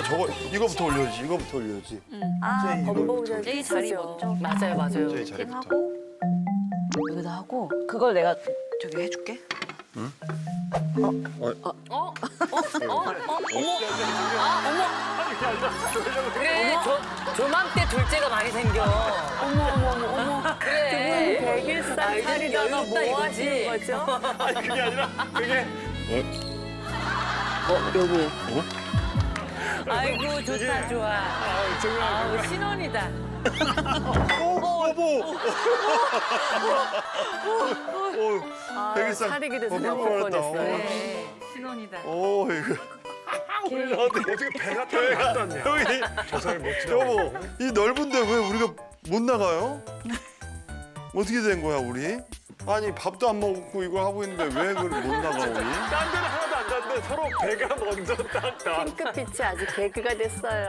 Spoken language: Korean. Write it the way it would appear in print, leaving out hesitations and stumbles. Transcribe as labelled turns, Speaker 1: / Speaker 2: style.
Speaker 1: 일단 저거 이거부터 올려야지. 이거부터 올려야지.
Speaker 2: 아,
Speaker 1: 이거
Speaker 2: 범벅을
Speaker 3: 제이 자리 먼저.
Speaker 4: 맞아요, 맞아요.
Speaker 1: 제이 자리부터.
Speaker 2: 하고 여기다 하고 그걸 내가 저기 해줄게.
Speaker 4: 그래, 조맘때 둘째가 많이 생겨.
Speaker 2: 어머.
Speaker 4: 그래.
Speaker 2: 100일 살이잖아.
Speaker 4: 여유 있다
Speaker 2: 뭐 하시는
Speaker 4: 이거지.
Speaker 2: 거죠?
Speaker 5: 아니 그게 아니라 그게
Speaker 2: 여기.
Speaker 4: 아이고, 좋다, 좋아. 아우, 신혼이다.
Speaker 1: 여보.
Speaker 2: 아,
Speaker 1: 백일상
Speaker 2: 차리게 돼서
Speaker 1: 볼
Speaker 2: 내가 볼
Speaker 1: 뻔했다.
Speaker 2: 뻔했어요.
Speaker 4: 네, 신혼이다.
Speaker 1: 오 이거.
Speaker 5: 어떻게 배가 딱 났냐?
Speaker 1: 형이
Speaker 5: 조상이 멋지다.
Speaker 1: 여보 이 넓은데 왜 우리가 못 나가요? 어떻게 된 거야 우리? 아니 밥도 안 먹고 이거 하고 있는데 왜 그걸 못 나가 우리?
Speaker 5: 딴 데는 하나도 안 났는데 서로 배가 먼저 딱 나.
Speaker 2: 핑크빛이 아주 개그가 됐어요.